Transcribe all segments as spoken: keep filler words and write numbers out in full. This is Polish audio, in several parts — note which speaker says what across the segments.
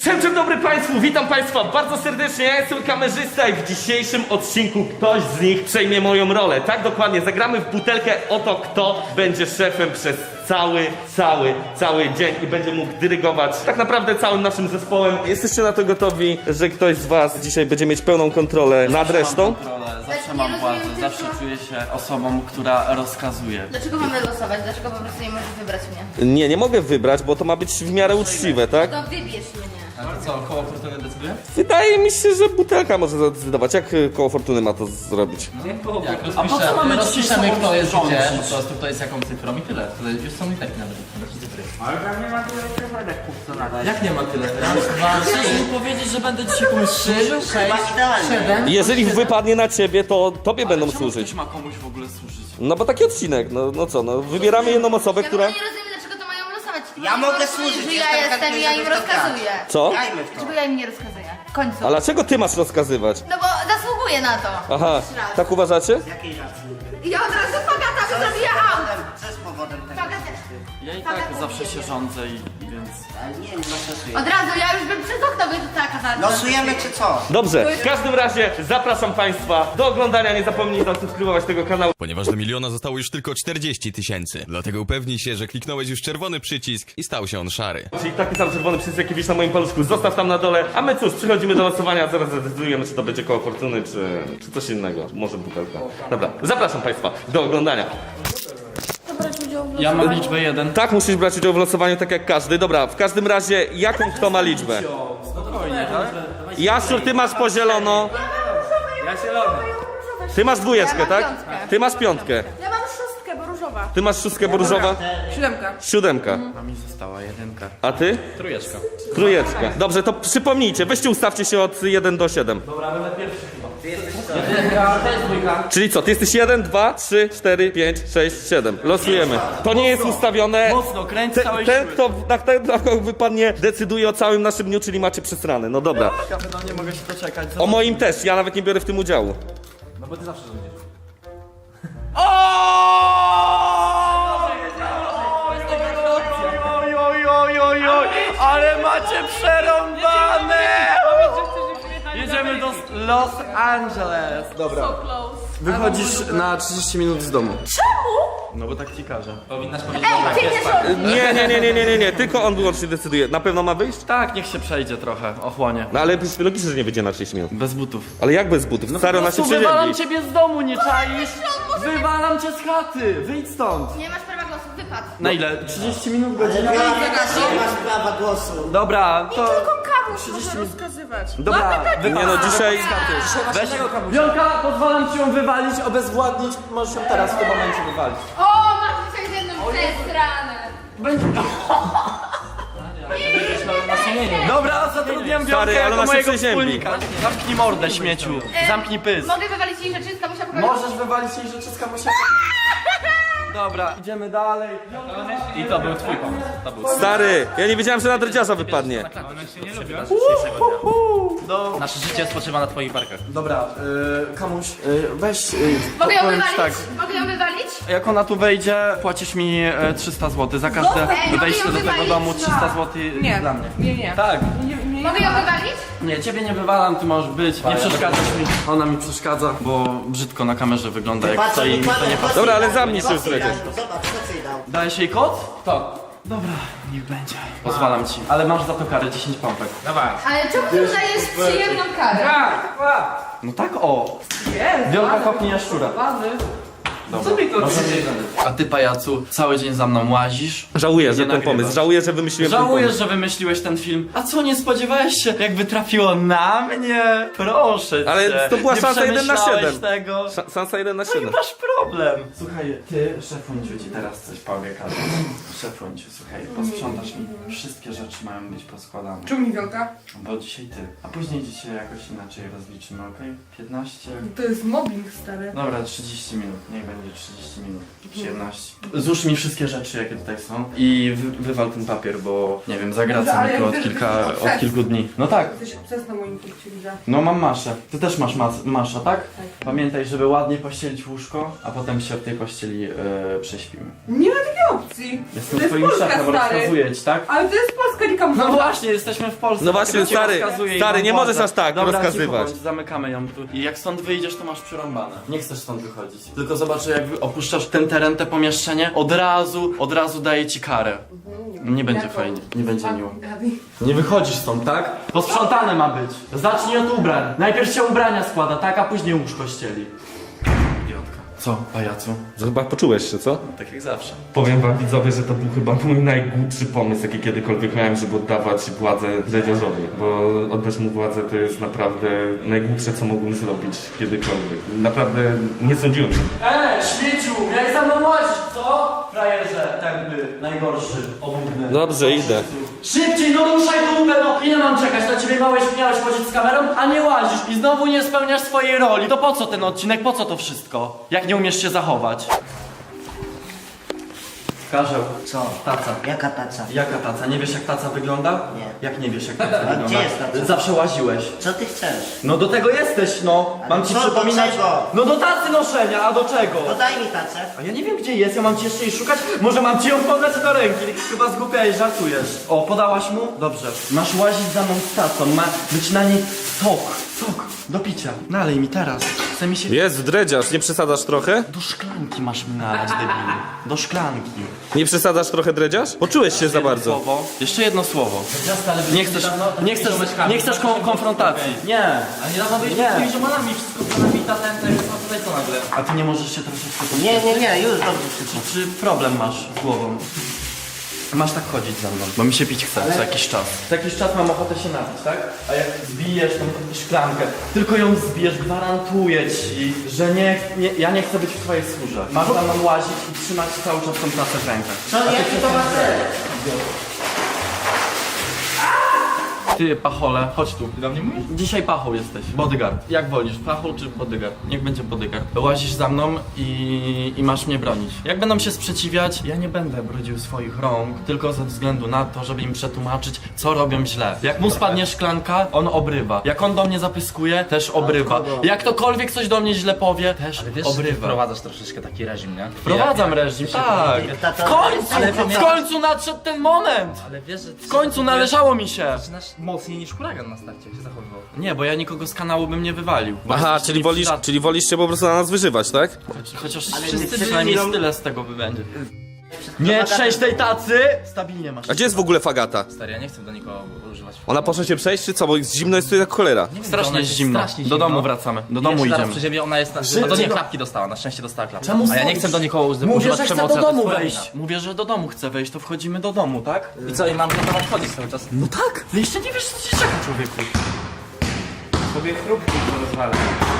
Speaker 1: Dzień dobry Państwu, witam Państwa bardzo serdecznie, ja jestem kamerzysta i w dzisiejszym odcinku ktoś z nich przejmie moją rolę. Tak dokładnie, zagramy w butelkę o to, kto będzie szefem przez cały, cały, cały dzień i będzie mógł dyrygować tak naprawdę całym naszym zespołem. Jesteście na to gotowi, że ktoś z Was dzisiaj będzie mieć pełną kontrolę nad resztą?
Speaker 2: Mam kontrolę, zawsze mam władzę, zawsze czuję się osobą, która rozkazuje.
Speaker 3: Dlaczego mamy losować? Dlaczego po prostu nie możesz wybrać mnie?
Speaker 1: Nie, nie mogę wybrać, bo to ma być w miarę uczciwe, tak?
Speaker 3: To wybierz mnie.
Speaker 2: A to co, koło fortuny decyduje?
Speaker 1: Wydaje mi się, że butelka może zadecydować. Jak y, koło fortuny ma to zrobić?
Speaker 2: Jak
Speaker 4: A po co mamy rozpiszemy, kto jest
Speaker 2: rządzić?
Speaker 4: gdzie, po prostu kto jest jaką cyfrą i tyle. To już są i tak nawet cyfry.
Speaker 5: Ale tam nie ma tyle cyferek, co nadać.
Speaker 2: Jak nie ma tyle?
Speaker 4: Raz, dwa,
Speaker 2: Chcesz mi
Speaker 4: trzy,
Speaker 2: powiedzieć, że będę dzisiaj komuś służył?
Speaker 4: sześć, siedem.
Speaker 1: Jeżeli wypadnie na ciebie, to tobie będą
Speaker 2: Czemu
Speaker 1: służyć.
Speaker 2: ktoś ma komuś w ogóle służyć?
Speaker 1: No bo taki odcinek, no, no co, no wybieramy jedną osobę,
Speaker 3: Ja
Speaker 1: która...
Speaker 3: nie rozumiem, dlaczego to mają losować.
Speaker 5: Ja
Speaker 3: Nie
Speaker 5: mogę
Speaker 3: rozumiem,
Speaker 5: służyć,
Speaker 3: że
Speaker 5: jestem
Speaker 3: ja jestem i ja im
Speaker 5: chętny, żeby to
Speaker 3: rozkazuję.
Speaker 1: Co?
Speaker 5: Grajmy w to.
Speaker 3: Dlaczego ja im nie rozkazuję? W końcu.
Speaker 1: A dlaczego ty masz rozkazywać?
Speaker 3: No bo zasługuję na to.
Speaker 1: Aha,
Speaker 3: Jeszcze raz.
Speaker 1: tak uważacie?
Speaker 5: Z jakiej racji?
Speaker 3: Ja od razu Fagata by zabija aut.
Speaker 5: Co jest powodem tego?
Speaker 3: Fagat...
Speaker 2: Ja i tak zawsze się rządzę i więc...
Speaker 5: Ale nie wiem, losuję.
Speaker 3: Od razu, ja już bym przez okno wyrzucała kazarkę.
Speaker 5: Losujemy czy co?
Speaker 1: Dobrze, w każdym razie zapraszam Państwa do oglądania. Nie zapomnij zasubskrybować tego kanału.
Speaker 6: Ponieważ do miliona zostało już tylko czterdzieści tysięcy. Dlatego upewnij się, że kliknąłeś już czerwony przycisk i stał się on szary.
Speaker 1: Czyli taki sam czerwony przycisk, jaki widzisz na moim paluszku, zostaw tam na dole. A my cóż, przechodzimy do losowania. Zaraz zdecydujemy, czy to będzie koło fortuny, czy, czy coś innego. Może butelka. Dobra, zapraszam Państwa do oglądania.
Speaker 2: Ja mam liczbę jeden.
Speaker 1: Tak, musisz brać udział w losowaniu, tak jak każdy. Dobra, w każdym razie, jaką kto ma liczbę?
Speaker 2: Spokojnie, tak?
Speaker 1: Jasiu, ty masz po zielono. Ty masz dwójeczkę,
Speaker 3: Ja mam
Speaker 1: tak?
Speaker 3: piątkę.
Speaker 1: Ty masz piątkę.
Speaker 7: Ja mam szóstkę, bo różowa.
Speaker 1: Ty masz szóstkę, bo różowa?
Speaker 7: Siódemka.
Speaker 1: Siódemka.
Speaker 2: A mi została jedynka.
Speaker 1: A ty?
Speaker 2: Trójeczka.
Speaker 1: Trójeczka. Dobrze, to przypomnijcie, weźcie ustawcie się od jeden do siedem. Czyli co, ty jesteś jeden, dwa, trzy, cztery, pięć, sześć, siedem. Losujemy. To nie jest ustawione.
Speaker 2: Mocno, kręć
Speaker 1: Ten,
Speaker 2: całej
Speaker 1: ten
Speaker 2: siły.
Speaker 1: kto na ten, na kogo wypadnie, decyduje o całym naszym dniu, czyli macie przesrane. No dobra.
Speaker 2: No nie mogę się doczekać.
Speaker 1: O moim też, ja nawet nie biorę w tym udziału.
Speaker 2: No bo ty zawsze rządzisz. Oj, oj, oj, oj, oj, ale macie przerąbane! Jedziemy do Los Angeles. Dobra. Wychodzisz na trzydzieści minut z domu. Czemu? No bo tak ci każę.
Speaker 4: Powinnaś powiedzieć,
Speaker 3: Ej, ty nie rządzisz.
Speaker 1: Nie, nie, nie, nie, nie, nie, nie, tylko on wyłącznie decyduje. Na pewno ma wyjść?
Speaker 2: Tak, niech się przejdzie trochę, ochłonie.
Speaker 1: No ale logicznie, że nie wyjdzie na trzydzieści minut.
Speaker 2: Bez butów.
Speaker 1: Ale jak bez butów? Stary, ona się
Speaker 2: Po prostu wywalam
Speaker 1: przeziębi.
Speaker 2: ciebie z domu, nie czaisz? Wywalam cię z chaty, wyjdź stąd.
Speaker 3: Nie masz prawa głosu, wypad.
Speaker 2: Na ile? trzydzieści minut, godzina?
Speaker 5: Nie masz prawa głosu.
Speaker 2: Dobra, to...
Speaker 7: Tylko kamuś może rozkazywać.
Speaker 2: Dobra,
Speaker 1: Nie no, dzisiaj...
Speaker 2: weź... Wiolka, pozwalam ci ją wywalić, obezwładnić, możesz ją teraz w tym momencie wywalić.
Speaker 3: O, masz dzisiaj z jednym przestranę.
Speaker 2: Dobra, zatrudniam Wiolkę
Speaker 1: Stary, ale
Speaker 2: jako
Speaker 1: ona się
Speaker 2: mojego
Speaker 1: przeziębi.
Speaker 2: wspólnika. Zamknij mordę, śmieciu. Zamknij pysk.
Speaker 3: Mogę wywalić jej rzeczy, z kamusia pokoju?
Speaker 2: Możesz wywalić jej rzeczy z kamusia. Dobra, idziemy dalej.
Speaker 4: I to był twój pomysł. To był
Speaker 1: Stary, ja nie wiedziałem, że na dredziarza wypadnie.
Speaker 2: Do...
Speaker 4: Nasze życie spoczywa na twoich barkach.
Speaker 2: Dobra, y, kamuś, y, weź... Y,
Speaker 3: Mogę ją
Speaker 2: powiem ci
Speaker 3: wywalić?
Speaker 2: tak.
Speaker 3: Mogę ją wywalić?
Speaker 2: Jak ona tu wejdzie, płacisz mi e, trzysta złotych za każde
Speaker 3: Ej,
Speaker 2: wejście
Speaker 3: mogę
Speaker 2: do
Speaker 3: ją
Speaker 2: tego
Speaker 3: wywalić?
Speaker 2: domu. trzysta złotych
Speaker 7: Nie.
Speaker 2: dla mnie.
Speaker 7: Nie, nie.
Speaker 2: Tak.
Speaker 7: Nie, nie,
Speaker 3: Mogę ją wywalić?
Speaker 2: Nie, ciebie nie wywalam, ty możesz być. Nie przeszkadzasz mi. Ona mi przeszkadza, bo brzydko na kamerze wygląda, jak
Speaker 5: Patrz,
Speaker 2: stoi i mi to nie pasuje.
Speaker 1: Dobra, ale zamknij się już
Speaker 5: Zobacz,
Speaker 1: przecież.
Speaker 5: Zobacz, co ci dał.
Speaker 2: Dałeś jej kod?
Speaker 4: To.
Speaker 2: Dobra, niech będzie. Pozwalam ci. Ale masz za to karę dziesięć pompek.
Speaker 4: Dawaj.
Speaker 3: Ale czemu ty udajesz przyjemną karę?
Speaker 2: No tak o. Wielka kopnie jaszczura.
Speaker 4: Co mi to
Speaker 2: A ty, pajacu, cały dzień za mną łazisz.
Speaker 1: Żałuję, że
Speaker 2: Nie
Speaker 1: ten
Speaker 2: nagrywasz.
Speaker 1: pomysł, żałuję, że wymyśliłem ten
Speaker 2: Żałujesz,
Speaker 1: pomysł.
Speaker 2: że wymyśliłeś ten film. A co, nie spodziewałeś się, jakby trafiło na mnie? Proszę cię.
Speaker 1: Ale to była
Speaker 2: nie
Speaker 1: szansa jeden na
Speaker 2: przemyślałeś
Speaker 1: siedem.
Speaker 2: tego.
Speaker 1: Sza- Szansa jeden na
Speaker 2: No i
Speaker 1: siedem.
Speaker 2: masz problem. Słuchaj, ty, szefunciu, ci teraz coś powie, Karol. Szefunciu, słuchaj, posprzątasz mi. Wszystkie rzeczy mają być poskładane.
Speaker 7: Czemu mi wielka?
Speaker 2: Bo dzisiaj ty. A później dzisiaj jakoś inaczej rozliczymy, okej? piętnaście.
Speaker 7: To jest mobbing, stary.
Speaker 2: Dobra, trzydzieści minut. Niech będzie trzydzieści minut. przyjemności. Złóż mi wszystkie rzeczy, jakie tutaj są i wy, wywal ten papier, bo nie wiem, zagracam
Speaker 7: Ale
Speaker 2: mi tu od,
Speaker 7: wiesz,
Speaker 2: kilka,
Speaker 7: jesteś
Speaker 2: od
Speaker 7: obses.
Speaker 2: kilku dni. No tak,
Speaker 7: Jesteś obses na moim punkcie widzenia.
Speaker 2: no mam maszę. Ty też masz mas masza, tak?
Speaker 7: Tak.
Speaker 2: Pamiętaj, żeby ładnie pościelić łóżko, a potem się w tej pościeli e, prześpimy.
Speaker 7: Nie ma takiej opcji.
Speaker 2: Jestem
Speaker 7: to jest
Speaker 2: twoim
Speaker 7: Polska,
Speaker 2: szefem,
Speaker 7: stary.
Speaker 2: rozkazuję ci, tak?
Speaker 7: Ale to jest Polska, nie Kambodża.
Speaker 2: No właśnie, jesteśmy w Polsce.
Speaker 1: No właśnie,
Speaker 2: dlatego ci
Speaker 1: stary,
Speaker 2: rozkazuję i
Speaker 1: stary,
Speaker 2: mam
Speaker 1: nie
Speaker 2: władzę.
Speaker 1: możesz aż tak
Speaker 2: Dobra,
Speaker 1: rozkazywać.
Speaker 2: Cicho bądź, zamykamy ją tu. I jak stąd wyjdziesz, to masz przerąbane. Nie chcesz stąd wychodzić. Tylko zobacz, że jak opuszczasz ten teren, te pomieszczenie, od razu, od razu daje ci karę. Nie będzie fajnie, nie będzie miło.
Speaker 7: Gabi.
Speaker 2: Nie wychodzisz stąd, tak? Posprzątane ma być. Zacznij od ubrań. Najpierw się ubrania składa, tak? A później łóż kościeli. Idiotka. Co, pajacu?
Speaker 1: To chyba poczułeś się, co?
Speaker 2: Tak jak zawsze.
Speaker 1: Powiem wam widzowie, że to był chyba mój najgłupszy pomysł, jaki kiedykolwiek miałem, żeby oddawać władzę dredziarzowi. Bo oddać mu władzę to jest naprawdę najgłupsze, co mogłem zrobić kiedykolwiek. Naprawdę nie sądziłem.
Speaker 2: Eee, śmieciu, miałeś za mną łazić, co? Frajerze, tępy, najgorszy, obłudny.
Speaker 1: Dobrze, idę.
Speaker 2: Szybciej, no ruszaj dupę, no! Ile mam czekać? Na ciebie małeś, miałeś chodzić z kamerą, a nie łazisz i znowu nie spełniasz swojej roli. To po co ten odcinek, po co to wszystko? Jak nie umiesz się zachować? Karzeł,
Speaker 5: Co?
Speaker 2: taca.
Speaker 5: Jaka taca?
Speaker 2: Jaka taca? Nie wiesz jak taca wygląda?
Speaker 5: Nie.
Speaker 2: Jak nie wiesz jak taca wygląda?
Speaker 5: gdzie jest taca?
Speaker 2: Zawsze łaziłeś.
Speaker 5: Co ty chcesz?
Speaker 2: No do tego jesteś, no.
Speaker 5: Ale
Speaker 2: Mam ci
Speaker 5: co, do
Speaker 2: przypominać.
Speaker 5: czego?
Speaker 2: No do tacy noszenia, a do czego?
Speaker 5: To daj mi tacę.
Speaker 2: A ja nie wiem gdzie jest, ja mam ci jeszcze jej szukać? Może mam ci ją podać do ręki? Chyba zgłupiałeś, żartujesz. O, podałaś mu? Dobrze. Masz łazić za mną z tacą, ma być na niej sok, sok do picia. Nalej mi teraz. Chce mi się...
Speaker 1: Jest dredziarz, nie przesadzasz trochę?
Speaker 2: Do szklanki masz mi nalać, debilu. Do szklanki.
Speaker 1: Nie przesadzasz trochę dredziarz? Poczułeś się za bardzo.
Speaker 2: Słowo. Jeszcze jedno słowo. Nie chcesz, nie chcesz, nie chcesz kon konfrontacji. Nie.
Speaker 4: Ale niedawno byliśmy
Speaker 2: Nie.
Speaker 4: z tymi ziomalami, wszystko planami, tatem, tak, a tutaj co nagle?
Speaker 2: A ty nie możesz się troszeczkę...
Speaker 5: Nie, nie, nie, już dobrze wszystko.
Speaker 2: Czy problem masz z głową? Masz tak chodzić za mną, bo mi się pić chce co jakiś czas. Co jakiś czas mam ochotę się napić, tak? A jak zbijesz tą szklankę, tylko ją zbijesz, gwarantuję ci, że nie, nie, ja nie chcę być w twojej skórze. Masz za mną łazić i trzymać cały czas tą tacę w rękach.
Speaker 5: Co, jaki to ma cel?
Speaker 2: Ty, pachole, chodź tu. Ty do mnie mówisz? Dzisiaj pachą jesteś. Bodyguard. Jak wolisz, pachą czy bodyguard? Niech będzie bodyguard. Łazisz za mną i, i masz mnie bronić. Jak będą się sprzeciwiać, ja nie będę brudził swoich rąk, tylko ze względu na to, żeby im przetłumaczyć, co robią źle. Jak mu spadnie szklanka, on obrywa. Jak on do mnie zapyskuje, też obrywa. Jak ktokolwiek coś do mnie źle powie, też obrywa.
Speaker 4: wprowadzasz troszeczkę taki reżim, nie?
Speaker 2: Wprowadzam reżim, tak.
Speaker 5: Tato,
Speaker 2: W końcu,
Speaker 4: ale
Speaker 2: w
Speaker 4: pamiętam-
Speaker 2: końcu nadszedł ten moment.
Speaker 4: Ale wiesz, że...
Speaker 2: W końcu należało mi się.
Speaker 4: Zaczynasz mocniej niż huragan na starcie się zachowywał.
Speaker 2: Nie, bo ja nikogo z kanału bym nie wywalił. bo
Speaker 1: Aha,
Speaker 2: jesteście
Speaker 1: czyli wolisz,
Speaker 2: nieprzydatni.
Speaker 1: czyli wolisz się po prostu na nas wyżywać, tak?
Speaker 2: Choć, chociaż
Speaker 5: Ale
Speaker 2: wszyscy
Speaker 5: wszyscy
Speaker 2: przynajmniej
Speaker 5: robią-
Speaker 2: tyle z tego wybędzie. Nie trzęść tej tacy! Stabilnie masz.
Speaker 1: A gdzie jest w ogóle Fagata?
Speaker 4: Stary, ja nie chcę do nikogo używać.
Speaker 1: Ona poszła się przejść, czy co? Bo jest zimno jest tu jak cholera.
Speaker 4: Nie wiem,
Speaker 2: Strasznie
Speaker 4: ona
Speaker 2: jest zimno.
Speaker 4: strasznie
Speaker 2: Do
Speaker 4: zimno.
Speaker 2: domu wracamy. Do
Speaker 4: I
Speaker 2: domu
Speaker 4: jeszcze zaraz
Speaker 2: idziemy.
Speaker 4: przy ciebie ona jest na...
Speaker 2: Szybciej,
Speaker 4: A to nie
Speaker 2: no.
Speaker 4: klapki dostała, na szczęście dostała klapki.
Speaker 2: Czemu
Speaker 4: A ja nie
Speaker 2: stoisz?
Speaker 4: chcę do nikogo uży-
Speaker 2: Mówię,
Speaker 4: używać
Speaker 2: że chcę
Speaker 4: przemocy,
Speaker 2: do
Speaker 4: a to jest
Speaker 2: domu
Speaker 4: twoja
Speaker 2: wejść.
Speaker 4: wina.
Speaker 2: Mówię, że do domu chcę wejść, to wchodzimy do domu, tak?
Speaker 4: I co, i mam do was chodzić cały czas?
Speaker 2: No tak! No jeszcze nie wiesz co się czeka, człowieku.
Speaker 8: Sobie chrupki rozwalę.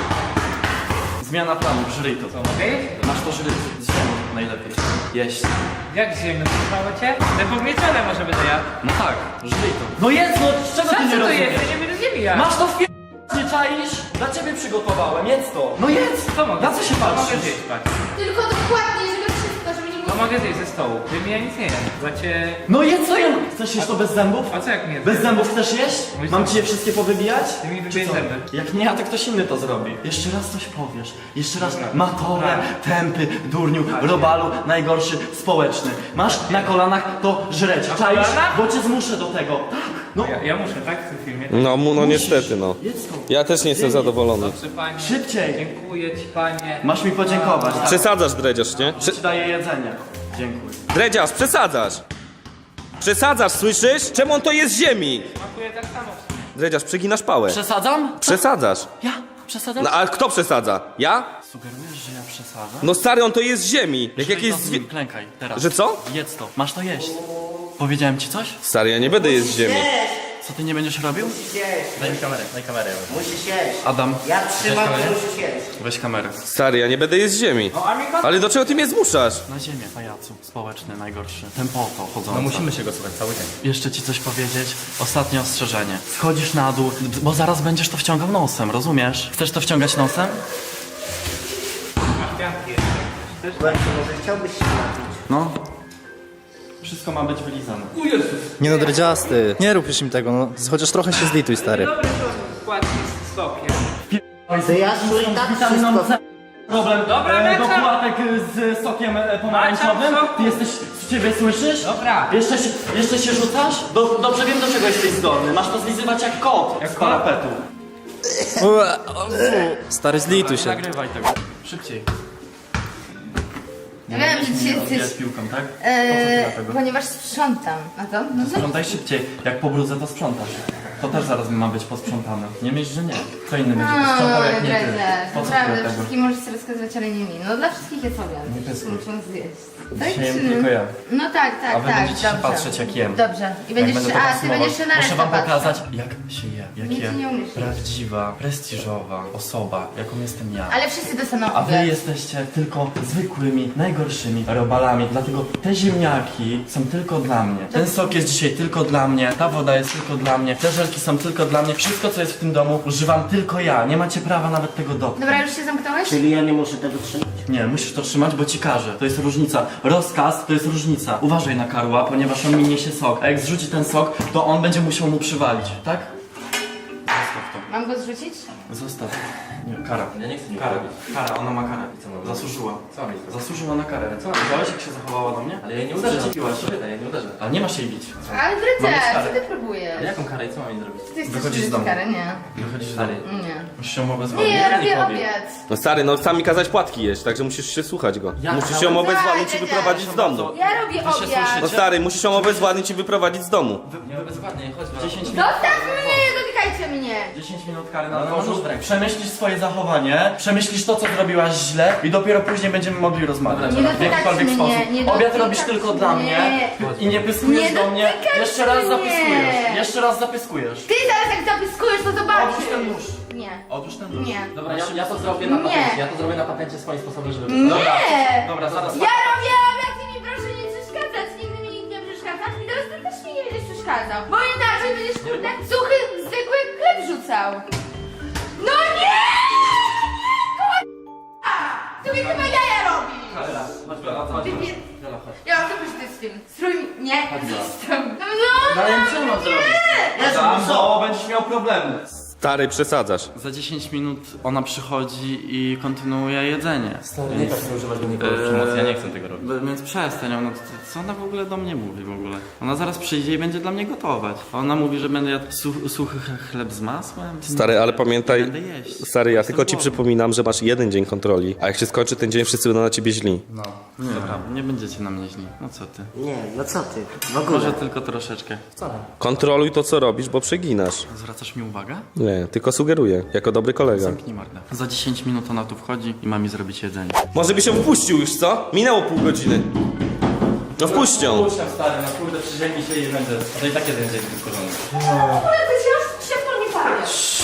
Speaker 2: Zmiana planu, żryj to.
Speaker 8: Co, mogę jeść?
Speaker 2: Masz to żryj z ziemią najlepiej. Jeść.
Speaker 8: Jak ziemno, trzymało cię? To pogniecione może będę ja.
Speaker 2: No tak, żryj to. No jedz, no z czego
Speaker 8: Co
Speaker 2: ty nie
Speaker 8: to
Speaker 2: rozumiesz?
Speaker 8: jest? Ja nie będę ziemi ja.
Speaker 2: Masz to w pie... nie czaisz? Dla ciebie przygotowałem, jedz to. No jedz!
Speaker 8: Co mogę?
Speaker 2: Na co się
Speaker 8: Co mogę
Speaker 2: patrzysz?
Speaker 8: zjeść, patrz.
Speaker 3: Tylko dokładnie, żeby wszystko, żeby nie
Speaker 8: Co
Speaker 3: było...
Speaker 8: mogę zjeść ze stołu? Ty mi ja nic nie jem. Bo cię...
Speaker 2: No jedz co jem! Chcesz jeść to bez zębów?
Speaker 8: A co jak nie
Speaker 2: Bez zębów chcesz jeść?
Speaker 8: Mój
Speaker 2: Mam
Speaker 8: zęb.
Speaker 2: ci je wszystkie powybijać?
Speaker 8: Ty mi
Speaker 2: Czy
Speaker 8: wybierz
Speaker 2: co?
Speaker 8: zęby.
Speaker 2: Jak nie, a to ktoś inny to zrobi. Jeszcze raz coś powiesz. Jeszcze raz
Speaker 8: Dobra.
Speaker 2: matole,
Speaker 8: Tak.
Speaker 2: tępy, durniu, robalu, najgorszy, społeczny. Masz na kolanach to żreć.
Speaker 8: Na
Speaker 2: Czaisz?
Speaker 8: kolanach?
Speaker 2: Bo cię zmuszę do tego. Tak. No,
Speaker 8: Ja, ja muszę, tak? W tym filmie.
Speaker 1: No, mu- no
Speaker 2: musisz.
Speaker 1: niestety, no.
Speaker 2: Jedz to.
Speaker 1: Ja też nie jestem zadowolony.
Speaker 8: Dobrze, panie.
Speaker 2: Szybciej.
Speaker 8: Dziękuję ci, panie.
Speaker 2: Masz mi podziękować. Tak?
Speaker 1: Przesadzasz, dredziarz, nie? Prze
Speaker 2: Ci daję jedzenie. Dziękuję.
Speaker 1: dredziarz, przesadzasz! Przesadzasz, słyszysz? Czemu on to jest z ziemi?
Speaker 8: Smakuje tak samo.
Speaker 1: Dredziarz, przeginasz pałę.
Speaker 2: Przesadzam?
Speaker 1: Przesadzasz.
Speaker 2: Ja? Przesadzam?
Speaker 1: No a kto przesadza? Ja?
Speaker 2: Sugerujesz, że ja przesadzam?
Speaker 1: No stary, on to jest z ziemi. Jak
Speaker 2: Żryj
Speaker 1: jakieś
Speaker 2: to z
Speaker 1: zwie...
Speaker 2: nim, klękaj, teraz.
Speaker 1: Że co?
Speaker 2: Jedz to. Masz to jeść. Powiedziałem ci coś?
Speaker 1: Stary, ja nie będę jeść z ziemi.
Speaker 2: Co ty nie będziesz robił?
Speaker 5: Musisz jeść.
Speaker 4: Daj mi kamerę, daj kamerę.
Speaker 5: Musisz jeść.
Speaker 2: Adam,
Speaker 5: Ja trzymam, ty musisz jeść.
Speaker 2: weź kamerę.
Speaker 1: Stary, ja nie będę jeść z ziemi. Ale do czego ty mnie zmuszasz?
Speaker 2: Na ziemię, pajacu. Społeczny, najgorszy. Tempoto chodząca.
Speaker 4: No musimy się go słuchać cały dzień.
Speaker 2: Jeszcze ci coś powiedzieć. Ostatnie ostrzeżenie. Schodzisz na dół, bo zaraz będziesz to wciągał nosem, rozumiesz? Chcesz to wciągać nosem?
Speaker 8: Masz pianki jeszcze.
Speaker 5: Właśnie, może chciałbyś się napić.
Speaker 2: No. Wszystko ma być wylizane.
Speaker 9: Nie no, dredziasty. Nie rób już im tego, no. Chociaż trochę się zlituj, stary.
Speaker 8: Dobry to składnik z sokiem.
Speaker 5: To ja czuję tak
Speaker 2: Witaminą
Speaker 5: wszystko.
Speaker 2: C. Problem
Speaker 8: Dobra,
Speaker 2: e,
Speaker 8: lecę.
Speaker 2: dokładek z sokiem e, pomarańczowym.
Speaker 8: Lecę,
Speaker 2: Ty jesteś ciebie, słyszysz?
Speaker 8: Dobra.
Speaker 2: Jeszcze się, jeszcze się rzucasz? Do, dobrze wiem, do czego jesteś zdolny. Masz to zlizywać jak kot. Jak z parapetu.
Speaker 9: Stary, zlituj się.
Speaker 2: Nagrywaj tego. Szybciej.
Speaker 3: Ja wiem, że dzisiaj
Speaker 2: Jest
Speaker 3: jesteś...
Speaker 2: piłką, tak?
Speaker 3: Eee,
Speaker 2: Po co ty dlatego?
Speaker 3: ponieważ sprzątam. A to? No to...
Speaker 2: Sprzątaj szybciej. Jak pobrudzę, to sprzątasz. To też zaraz ma być posprzątane. Nie myśl, że nie. Kto inny będzie posprzątał jak nie ty. Po co ty
Speaker 3: Naprawdę,
Speaker 2: tego?
Speaker 3: wszystkim możesz sobie rozkazywać, ale nie mi. No dla wszystkich jest obiad.
Speaker 2: Nie
Speaker 3: Wszyscy
Speaker 2: pyskuj.
Speaker 3: muszą zjeść. Tak
Speaker 2: Dzisiaj jem
Speaker 3: czy-
Speaker 2: tylko ja.
Speaker 3: No tak, tak,
Speaker 2: A wy
Speaker 3: tak.
Speaker 2: będziecie się
Speaker 3: dobrze.
Speaker 2: patrzeć, jak jem.
Speaker 3: Dobrze. I będziesz
Speaker 2: Jak
Speaker 3: się...
Speaker 2: będę to
Speaker 3: A, ty
Speaker 2: konsumować,
Speaker 3: będziesz się na
Speaker 2: muszę
Speaker 3: resztę
Speaker 2: wam
Speaker 3: patrzeć.
Speaker 2: pokazać, jak się je. Jak
Speaker 3: Nic
Speaker 2: je
Speaker 3: nie umiesz.
Speaker 2: prawdziwa, prestiżowa osoba, jaką jestem ja.
Speaker 3: Ale wszyscy dostaną
Speaker 2: A wy
Speaker 3: obiad.
Speaker 2: jesteście tylko zwykłymi, najgorszymi robalami, dlatego te ziemniaki są tylko dla mnie. Ten sok jest dzisiaj tylko dla mnie, ta woda jest tylko dla mnie, te żelki są tylko dla mnie. Wszystko, co jest w tym domu, używam tylko ja. Nie macie prawa nawet tego dotknąć.
Speaker 3: Dobra, już się zamknąłeś?
Speaker 5: Czyli ja nie muszę tego trzymać?
Speaker 2: Nie, musisz to trzymać, bo ci każę. To jest różnica. Rozkaz to jest różnica. Uważaj na Karła, ponieważ on mi niesie sok. A jak zrzuci ten sok, to on będzie musiał mu przywalić, tak? Zostaw to.
Speaker 3: Mam go zrzucić?
Speaker 2: Zostaw. Nie, kara.
Speaker 4: Ja nie chcę nic
Speaker 2: Kara.
Speaker 4: robić.
Speaker 2: Kara, ona ma karę.
Speaker 4: co mam
Speaker 2: Zasłużyła.
Speaker 4: Co mam jej zrobić?
Speaker 2: Zasłużyła na karę. Co? Widziałeś, jak się zachowała do mnie?
Speaker 4: Ale ja nie uderzę.
Speaker 2: Przyczepiłaś się.
Speaker 4: Ja nie uderzę.
Speaker 2: Ale nie masz jej bić.
Speaker 3: Ale
Speaker 2: Mam
Speaker 3: Dryce,
Speaker 2: karę.
Speaker 3: co ty próbujesz?
Speaker 4: Ale jaką karę i co mam jej zrobić?
Speaker 3: Ty chcesz
Speaker 2: Wychodzisz z
Speaker 3: wziąć
Speaker 2: domu.
Speaker 3: karę? Nie.
Speaker 2: Wychodzisz
Speaker 4: Stary.
Speaker 2: dalej.
Speaker 3: Nie.
Speaker 2: Musisz ją obezwładnić.
Speaker 3: Nie, ja
Speaker 2: Nie
Speaker 3: robię
Speaker 2: powiem.
Speaker 3: obiad.
Speaker 1: No stary, no sami kazać płatki jeść, także musisz się słuchać go.
Speaker 2: Ja-
Speaker 1: Musisz ją obezwładnić i
Speaker 3: Daj,
Speaker 1: wyprowadzić z domu.
Speaker 3: Ja robię
Speaker 2: Wy się
Speaker 3: obiad.
Speaker 2: słyszycie?
Speaker 1: No stary, musisz ją obezwładnić i wyprowadzić z domu.
Speaker 2: Nie bezwładnie, chodź. dziesięć minut.
Speaker 3: Zostaw mnie, nie dotykajcie mnie.
Speaker 2: dziesięć minut kary na
Speaker 4: No, no,
Speaker 2: dworzu.
Speaker 4: no, no.
Speaker 2: Przemyślisz swoje zachowanie, przemyślisz to, co zrobiłaś źle i dopiero później będziemy mogli rozmawiać.
Speaker 3: Nie
Speaker 2: w
Speaker 3: dotykać
Speaker 2: jakikolwiek
Speaker 3: mnie,
Speaker 2: sposób.
Speaker 3: nie
Speaker 2: Obiad
Speaker 3: dotykać
Speaker 2: robisz tylko dla
Speaker 3: mnie.
Speaker 2: mnie i nie pyskujesz
Speaker 3: Nie
Speaker 2: do mnie.
Speaker 3: dotykać
Speaker 2: Jeszcze raz
Speaker 3: mnie.
Speaker 2: zapyskujesz. Jeszcze raz zapyskujesz.
Speaker 3: Ty zaraz jak zapiskujesz, to zobaczysz.
Speaker 2: Odłóż ten nóż.
Speaker 3: Nie.
Speaker 2: Odłóż ten nóż.
Speaker 3: Nie.
Speaker 4: Dobra, ja, ja to zrobię na
Speaker 3: Nie.
Speaker 4: patencie. Ja to zrobię na patencie swoim sposobem, żeby...
Speaker 2: Dobra,
Speaker 3: Nie.
Speaker 2: dobra, zaraz.
Speaker 3: Ja robię obiad i mi proszę nie przeszkadzać. Nigdy mi nikt nie przeszkadza. I teraz ty też mi nie będziesz przeszkadzał. Bo inaczej będziesz kurde suchy, zwykły chleb rzucał. No nie! Ty mi chyba jaja robisz.
Speaker 2: Dobra, chodź, Bela, chodź.
Speaker 3: Ty nie...
Speaker 2: Bela, chodź.
Speaker 3: Ja mam tylko z tym. Strój mi... Nie.
Speaker 2: Bela.
Speaker 3: Strój. No,
Speaker 2: No ale co mam zrobić?
Speaker 5: Ja
Speaker 2: Tam,
Speaker 5: co?
Speaker 2: bo będziesz miał problemy.
Speaker 1: Stary, przesadzasz.
Speaker 2: Za dziesięć minut ona przychodzi i kontynuuje jedzenie.
Speaker 4: Nie tak chcę używać do nikogo przemocy, ja nie chcę tego robić.
Speaker 2: Więc przestań, ona, co ona w ogóle do mnie mówi w ogóle? Ona zaraz przyjdzie i będzie dla mnie gotować. A ona mówi, że będę jadł su- suchy ch- chleb z masłem?
Speaker 1: Stary, ale pamiętaj,
Speaker 2: Będę jeść.
Speaker 1: stary, ja
Speaker 2: Jestem
Speaker 1: tylko ci
Speaker 2: głodny.
Speaker 1: przypominam, że masz jeden dzień kontroli, a jak się skończy ten dzień, wszyscy będą na ciebie źli.
Speaker 2: Nie, nie będziecie na mnie źli. No co ty?
Speaker 5: Nie, no co ty? W ogóle.
Speaker 2: Może tylko troszeczkę.
Speaker 1: Kontroluj to, co robisz, bo przeginasz.
Speaker 2: Zwracasz mi uwagę?
Speaker 1: Nie, tylko sugeruję, jako dobry kolega.
Speaker 2: Zamknij mordę. Za dziesięć minut ona tu wchodzi i ma mi zrobić jedzenie.
Speaker 1: Może by się wpuścił już, co? Minęło pół godziny. No wpuść ją.
Speaker 2: Puszczam stary, na kurde przyziemni się i będzie.
Speaker 4: To i tak jeden dzień wkurzony.
Speaker 3: Ale ty się już szybko nie pamiętasz.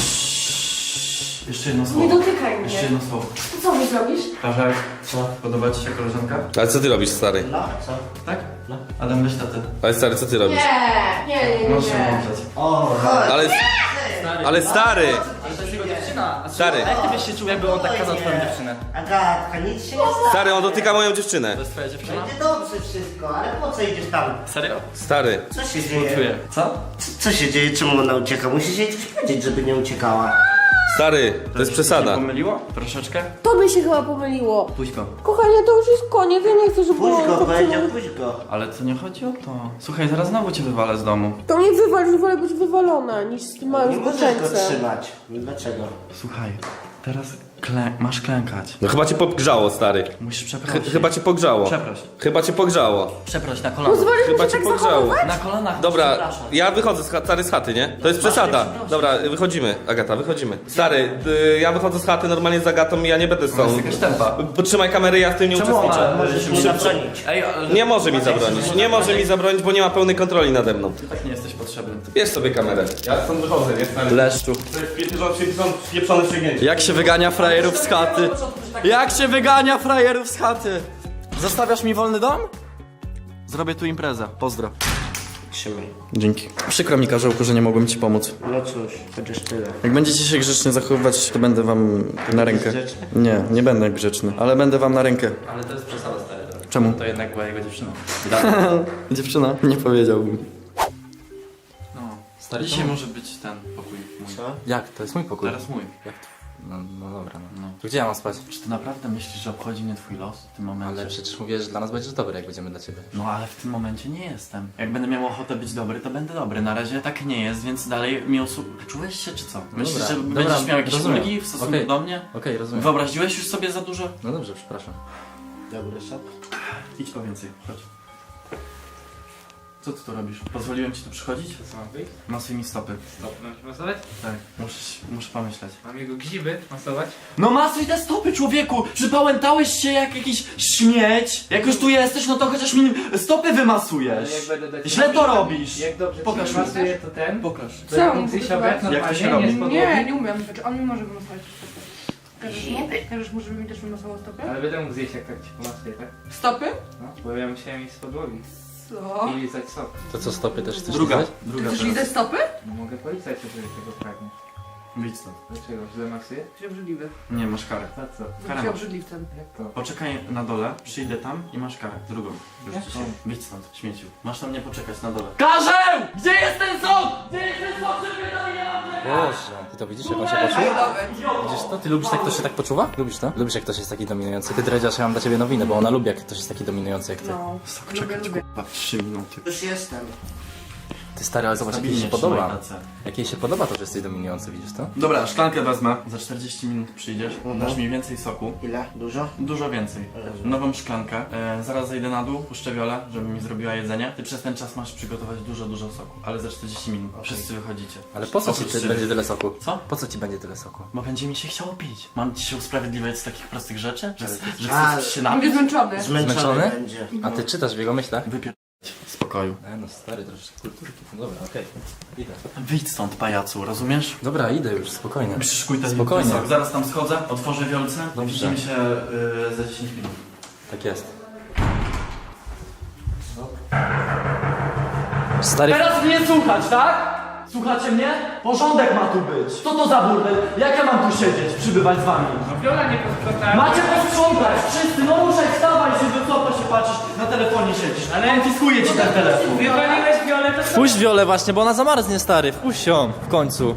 Speaker 2: Jeszcze jedno słowo.
Speaker 7: Nie dotykaj
Speaker 2: Jeszcze
Speaker 7: mnie.
Speaker 2: jedno słowo.
Speaker 7: To co mi zrobisz?
Speaker 2: Karzek, co? Podoba ci się koleżanka?
Speaker 1: Ale co ty robisz, stary?
Speaker 5: No, co?
Speaker 2: Tak? No. Adam, weź tatę.
Speaker 1: Ale stary, co ty robisz?
Speaker 3: Nie, nie, nie, nie.
Speaker 2: Możesz się mądrzeć.
Speaker 5: O, chodź.
Speaker 1: Ale... Ale stary!
Speaker 4: Ale to jest jego dziewczyna. A
Speaker 1: Stary,
Speaker 4: jak ty byś się czuł, jakby on tak kazał twoją dziewczynę?
Speaker 5: Agatka, nic się nie stało.
Speaker 1: stary, on dotyka moją dziewczynę.
Speaker 2: To jest twoja dziewczyna?
Speaker 5: Będzie dobrze wszystko, ale po co idziesz tam?
Speaker 2: Serio?
Speaker 1: Stary,
Speaker 5: Co się dzieje?
Speaker 2: Czuję. Co?
Speaker 5: Co, co się dzieje? Czemu ona ucieka? Musisz jej coś powiedzieć, żeby nie uciekała.
Speaker 1: stary, to jest
Speaker 2: Się
Speaker 1: przesada.
Speaker 2: pomyliło? Troszeczkę?
Speaker 7: To by się chyba pomyliło.
Speaker 2: Puść go.
Speaker 7: Kochanie, to już jest koniec, ja nie chcę, żeby
Speaker 5: Puść go,
Speaker 7: było-
Speaker 5: powiedział, puść go.
Speaker 2: Ale to nie chodzi o to. Słuchaj, zaraz znowu cię wywalę z domu.
Speaker 7: To mnie wywal, że wolę być wywalona niż z tym
Speaker 5: Nie
Speaker 7: małym
Speaker 5: możesz go
Speaker 7: zboczeńcem.
Speaker 5: trzymać. Dlaczego?
Speaker 2: Słuchaj, teraz klę masz klękać.
Speaker 1: No chyba cię pogrzało, stary.
Speaker 2: Musisz
Speaker 1: Ch
Speaker 2: przeprosić.
Speaker 1: chyba cię pogrzało.
Speaker 2: Przeproś.
Speaker 1: Chyba cię pogrzało.
Speaker 2: Przeproś na kolana.
Speaker 7: Pozwolisz mi
Speaker 1: Chyba
Speaker 7: się
Speaker 1: cię
Speaker 7: tak
Speaker 1: pogrzało.
Speaker 7: zachowywać?
Speaker 2: Na kolanach.
Speaker 1: Dobra,
Speaker 2: przepraszam.
Speaker 1: ja wychodzę z, cha- stary, z chaty, nie? To jest przesada. Dobra, wychodzimy. Agata, wychodzimy. Stary, y, ja wychodzę z chaty normalnie z Agatą i ja nie będę z
Speaker 2: To jest
Speaker 1: tą.
Speaker 2: jakaś tempa.
Speaker 1: Potrzymaj kamery, ja w tym nie
Speaker 2: Czemu
Speaker 1: uczestniczę.
Speaker 2: ona
Speaker 5: Możesz mi
Speaker 2: szybko-
Speaker 5: zabronić.
Speaker 2: Ej, ale...
Speaker 1: Nie może mi zabronić. Nie może mi zabronić, bo nie ma pełnej kontroli nade mną.
Speaker 2: Tak nie jesteś potrzebny.
Speaker 1: Bierz sobie kamerę. Ja stąd wychodzę, nie? Stary.
Speaker 2: Leszczu.
Speaker 1: To jest pieprzone- pieprzone wsięgnięcie.
Speaker 2: Jak się wygania frajerów z chaty? Jak się wygania frajerów z chaty? Zostawiasz mi wolny dom? Zrobię tu imprezę. Pozdro.
Speaker 5: Trzymaj.
Speaker 2: Dzięki. Przykro mi, Karzełku, że nie mogłem ci pomóc.
Speaker 5: No cóż, chociaż tyle.
Speaker 2: Jak będziecie się grzecznie zachowywać, to będę wam na rękę.
Speaker 5: Grzeczny?
Speaker 2: Nie, nie będę grzeczny, ale będę wam na rękę.
Speaker 4: Ale to jest przesada, stary.
Speaker 2: Czemu?
Speaker 4: To jednak była jego dziewczyna.
Speaker 2: Dziewczyna? Nie powiedziałbym. No.
Speaker 4: Stary,
Speaker 2: Dzisiaj może być ten pokój mój.
Speaker 5: Co?
Speaker 4: Jak? To jest mój pokój.
Speaker 2: Teraz mój.
Speaker 4: Jak to?
Speaker 9: No, no dobra, no. To gdzie ja mam spać?
Speaker 2: Czy ty naprawdę myślisz, że obchodzi mnie twój los w tym momencie?
Speaker 9: Ale przecież mówię, że dla nas będziesz dobry, jak będziemy dla ciebie.
Speaker 2: No ale w tym momencie nie jestem. Jak będę miał ochotę być dobry, to będę dobry. Na razie tak nie jest, więc dalej mi osu... Czułeś się czy co? Myślisz,
Speaker 9: Dobra,
Speaker 2: że
Speaker 9: dobra,
Speaker 2: będziesz miał jakieś
Speaker 9: rozumiem.
Speaker 2: ulgi w stosunku
Speaker 9: Okej.
Speaker 2: do mnie?
Speaker 9: Okej, rozumiem.
Speaker 2: Wyobraziłeś już sobie za dużo?
Speaker 9: No dobrze, przepraszam.
Speaker 2: Ja będę szedł. Idź po więcej, chodź. Co ty tu robisz? Pozwoliłem ci tu przychodzić?
Speaker 8: Co mam wyjść?
Speaker 2: Masuj mi stopy.
Speaker 8: Stop, mam masować?
Speaker 2: Tak, muszę, muszę pomyśleć.
Speaker 8: Mam jego gziby masować?
Speaker 2: No masuj te stopy, człowieku! Przypałętałeś się jak jakiś śmieć! Jak już tu jesteś, no to chociaż mi stopy wymasujesz!
Speaker 8: Ale jak będę do
Speaker 2: Źle to robisz!
Speaker 8: Jak dobrze
Speaker 2: Pokaż
Speaker 8: ci
Speaker 2: mi.
Speaker 8: masuję, to ten?
Speaker 2: Pokaż.
Speaker 8: To jak mógł zjeść obiad
Speaker 2: Jak to się
Speaker 8: normalnie,
Speaker 2: robi?
Speaker 8: nie z podłogi?
Speaker 7: Nie, nie umiem. Znaczy on mi może wymasować stopy. Każesz mu? Każesz mu, żeby mi też wymasował stopy?
Speaker 8: Ale będę mógł zjeść jak tak ci pomasuję, tak?
Speaker 7: Stopy?
Speaker 8: No, bo ja musiałem iść z podłogi
Speaker 7: Co?
Speaker 8: i lizać sok.
Speaker 9: To co, stopy też chcesz
Speaker 2: Druga,
Speaker 9: lizać?
Speaker 2: druga
Speaker 7: Chcesz
Speaker 2: teraz.
Speaker 7: lizać stopy?
Speaker 8: No mogę polizać, jeżeli tego pragniesz.
Speaker 2: Wyjdź stąd.
Speaker 8: Dlaczego? Źle masuję?
Speaker 7: Jesteś obrzydliwy.
Speaker 2: Nie, masz karę.
Speaker 8: To co?
Speaker 2: Karę
Speaker 7: Jesteś
Speaker 2: masz.
Speaker 7: obrzydliwcem.
Speaker 8: Jak to?
Speaker 2: Poczekaj na dole, przyjdę tam i masz karę. Drugą. Już
Speaker 8: Jak
Speaker 2: ci
Speaker 8: to?
Speaker 2: się. Wyjdź stąd, śmieciu. Masz na mnie poczekać na dole. Karzeł! Gdzie jest ten sok? Gdzie jest ten sok, żeby to nie
Speaker 9: Boże, ty to widzisz, jak on się poczuwa? Widzisz to? Ty lubisz, jak ktoś się tak poczuwa? Lubisz to? Lubisz, jak ktoś jest taki dominujący? Ty, Dredziarz, ja mam dla ciebie nowinę, bo ona lubi, jak ktoś jest taki dominujący jak ty.
Speaker 7: No.
Speaker 2: Sok,
Speaker 7: Lubię,
Speaker 2: czekać,
Speaker 7: lubię.
Speaker 2: kurwa, trzy minuty.
Speaker 5: Już jestem.
Speaker 9: Ty, stary, ale zobacz, jak jej
Speaker 2: Stabilnie
Speaker 9: się
Speaker 2: trzymaj
Speaker 9: podoba.
Speaker 2: ręce.
Speaker 9: Jak jej się podoba to, że jesteś dominujący, widzisz to?
Speaker 2: Dobra, szklankę wezmę. Za czterdzieści minut przyjdziesz, dasz mi więcej soku.
Speaker 5: Ile? Dużo?
Speaker 2: Dużo więcej. Nową szklankę. E, zaraz zejdę na dół, puszczę Wiolę, żeby mi zrobiła jedzenie. Ty przez ten czas masz przygotować dużo, dużo soku. Ale za czterdzieści minut. Wszyscy wychodzicie.
Speaker 9: Ale po co ci
Speaker 2: Oprócz
Speaker 9: ty,
Speaker 2: ciebie.
Speaker 9: będzie tyle soku?
Speaker 2: Co?
Speaker 9: Po co ci będzie tyle soku?
Speaker 2: Bo będzie mi się chciało pić. Mam ci się usprawiedliwiać z takich prostych rzeczy? Że, że
Speaker 5: A,
Speaker 2: chcesz się
Speaker 7: Będzie
Speaker 2: napić?
Speaker 7: zmęczony.
Speaker 5: Zmęczony,
Speaker 9: Zmęczony?
Speaker 5: będzie.
Speaker 9: A ty czytasz w jego myślach?
Speaker 2: Wypier... w spokoju.
Speaker 9: E, no stary, troszeczkę kulturki. No dobra, okej. Idę.
Speaker 2: Wyjdź stąd, pajacu, rozumiesz?
Speaker 9: Dobra, idę już, spokojnie.
Speaker 2: Przyszykuj ten
Speaker 9: Spokojnie.
Speaker 2: sok. Zaraz tam schodzę, otworzę Wiolce.
Speaker 9: Dobrze.
Speaker 2: Widzimy się y, za dziesięć minut.
Speaker 9: Tak jest. Stary,
Speaker 2: Teraz mnie słuchać, tak? Słuchacie mnie? Porządek ma tu być. Co to za burdel? Jak ja mam tu siedzieć, przybywać z wami?
Speaker 8: No Viola nie posprzątała.
Speaker 2: Macie posprzątać! Wszyscy, no ruszaj, wstawaj się, do co to się patrzysz? Na telefonie siedzisz. Ale konfiskuję ci ten telefon.
Speaker 8: Wywaliłeś Violę, to co?
Speaker 9: wpuść Wiolę właśnie, bo ona zamarznie, stary. Wpuść ją w końcu.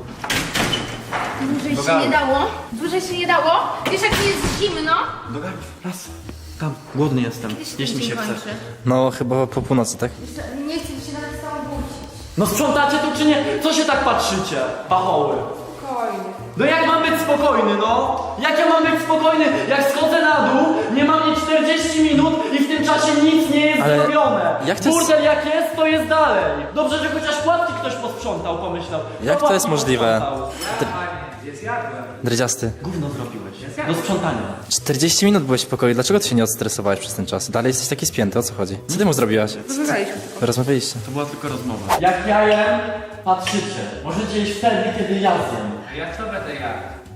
Speaker 3: Dłużej się nie dało? Dłużej się nie dało? Wiesz jak mi jest zimno?
Speaker 2: Do gardła, raz. Tam, głodny jestem.
Speaker 3: Kiedy się
Speaker 2: Jeśli
Speaker 3: ten
Speaker 2: mi się
Speaker 3: dzień
Speaker 2: chce.
Speaker 3: kończy?
Speaker 9: No, chyba po północy, tak?
Speaker 3: Jeszcze nie chcę mi się nawet z tobą budzić.
Speaker 2: No sprzątacie tu czy nie? Co się tak patrzycie? Pachoły.
Speaker 7: Spokojnie.
Speaker 2: No jak mam być spokojny, no? Jak ja mam być spokojny? Jak schodzę na dół, nie mam nie czterdzieści minut i w tym czasie nic nie jest
Speaker 9: Ale
Speaker 2: zrobione.
Speaker 9: jak to jest-
Speaker 2: Burdel jak jest, to jest dalej. Dobrze, że chociaż płatki ktoś posprzątał, pomyślał.
Speaker 9: Jak
Speaker 2: Kto
Speaker 9: to jest
Speaker 2: płatki
Speaker 9: możliwe?
Speaker 2: posprzątał?
Speaker 8: Jest jadłem.
Speaker 9: Dredziasty.
Speaker 2: Gówno zrobiłeś. Do sprzątania.
Speaker 9: czterdzieści minut byłeś w pokoju, dlaczego ty się nie odstresowałeś przez ten czas? Dalej jesteś taki spięty, o co chodzi? Co ty mu zrobiłaś?
Speaker 7: Rozmawialiśmy.
Speaker 9: Rozmawialiście.
Speaker 2: To była tylko rozmowa. Jak ja jem, patrzycie. Możecie jeść wtedy, kiedy ja zjem.
Speaker 8: A ja co będę jadł?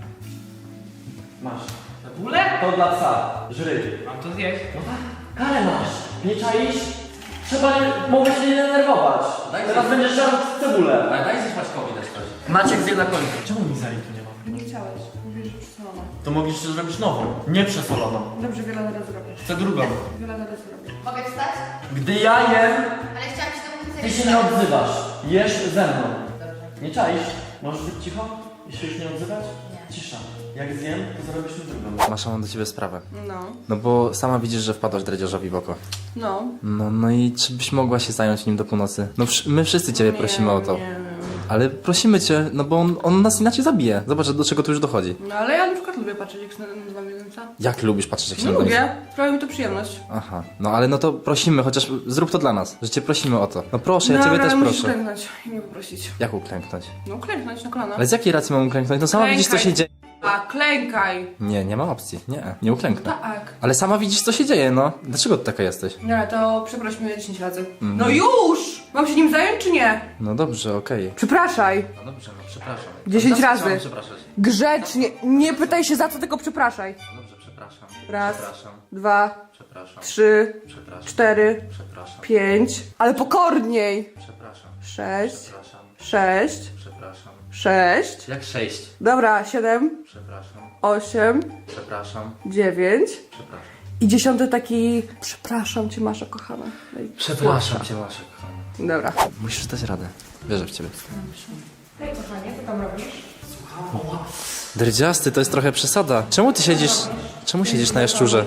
Speaker 2: Masz.
Speaker 8: Cebulę?
Speaker 2: To dla psa. Żry.
Speaker 8: Mam to zjeść?
Speaker 2: Karę masz. Nie czaisz? Trzeba, nie, mogę się nie denerwować. Teraz będziesz żarł cebulę.
Speaker 4: Daj zjeść Maćkowi też coś.
Speaker 2: Maciek zje na końcu. Czemu mizari tu nie ma?
Speaker 7: Nie chciałeś. Mówisz, że przesolona.
Speaker 2: To mogliście zrobić nową. Nie przesoloną.
Speaker 7: Dobrze, wiele zaraz zrobię.
Speaker 2: Chcę drugą.
Speaker 7: Wiele zaraz zrobię.
Speaker 3: Mogę wstać?
Speaker 2: Gdy ja jem,
Speaker 3: Ale chciałam się do końca
Speaker 2: ty się nie odzywasz. Jesz ze mną. Nie czaisz? Możesz być cicho? I się już nie odzywać?
Speaker 3: Nie.
Speaker 2: Cisza. Jak zjem, to zrobisz mi drugą.
Speaker 9: Masza, mam do ciebie sprawę.
Speaker 7: No.
Speaker 9: No bo sama widzisz, że wpadłaś dredziarzowi w oko.
Speaker 7: No.
Speaker 9: No, no i czy byś mogła się zająć nim do północy? No wsz- my wszyscy ciebie prosimy o to.
Speaker 7: Nie, nie.
Speaker 9: Ale prosimy cię, no bo on, on nas inaczej zabije. Zobacz, do czego tu już dochodzi.
Speaker 7: No ale ja na przykład lubię patrzeć jak się nazywa miednica.
Speaker 9: Jak lubisz patrzeć, jak się
Speaker 7: No
Speaker 9: na
Speaker 7: lubię. Sprawia mi to przyjemność.
Speaker 9: Aha, no ale no to prosimy, chociaż zrób to dla nas, że cię prosimy o to. No proszę, ja
Speaker 7: No,
Speaker 9: ciebie
Speaker 7: ale
Speaker 9: też
Speaker 7: musisz
Speaker 9: proszę.
Speaker 7: klęknąć i mnie poprosić.
Speaker 9: Jak uklęknąć?
Speaker 7: No klęknąć na kolana.
Speaker 9: Ale z jakiej racji mam uklęknąć? No sama
Speaker 7: Klękaj.
Speaker 9: widzisz, co się dzieje.
Speaker 7: A, klękaj.
Speaker 9: Nie, nie ma opcji. Nie, nie uklęknę.
Speaker 7: Tak.
Speaker 9: Ale sama widzisz, co się dzieje, no. Dlaczego ty taka jesteś?
Speaker 7: No to przeproś mnie dziesięć razy.
Speaker 9: Mhm.
Speaker 7: No już! Mam się nim zająć czy nie?
Speaker 9: No dobrze, okej.
Speaker 7: Przepraszaj.
Speaker 9: No dobrze, no przepraszam.
Speaker 7: dziesięć
Speaker 9: Za co
Speaker 7: razy.
Speaker 9: mam przepraszać?
Speaker 7: Grzecznie. Nie pytaj się za co, tylko przepraszaj.
Speaker 9: No dobrze, przepraszam.
Speaker 7: Raz,
Speaker 9: Przepraszam,
Speaker 7: dwa,
Speaker 9: przepraszam,
Speaker 7: trzy,
Speaker 9: przepraszam,
Speaker 7: cztery,
Speaker 9: przepraszam,
Speaker 7: pięć. Ale pokorniej.
Speaker 9: przepraszam,
Speaker 7: Sześć,
Speaker 9: przepraszam,
Speaker 7: sześć,
Speaker 9: przepraszam.
Speaker 7: sześć.
Speaker 9: Jak sześć?
Speaker 7: Dobra, siedem,
Speaker 9: Przepraszam,
Speaker 7: osiem,
Speaker 9: przepraszam,
Speaker 7: dziewięć.
Speaker 9: przepraszam.
Speaker 7: I dziesiąty taki. Przepraszam cię, Masza kochana. No i
Speaker 9: Przepraszam cię, Masz, kochanie.
Speaker 7: Dobra.
Speaker 9: Musisz dać radę. Wierzę w ciebie.
Speaker 7: Hej kochanie, co tam robisz?
Speaker 9: Dredziasty, to jest trochę przesada. Czemu ty siedzisz... Czemu siedzisz na jaszczurze?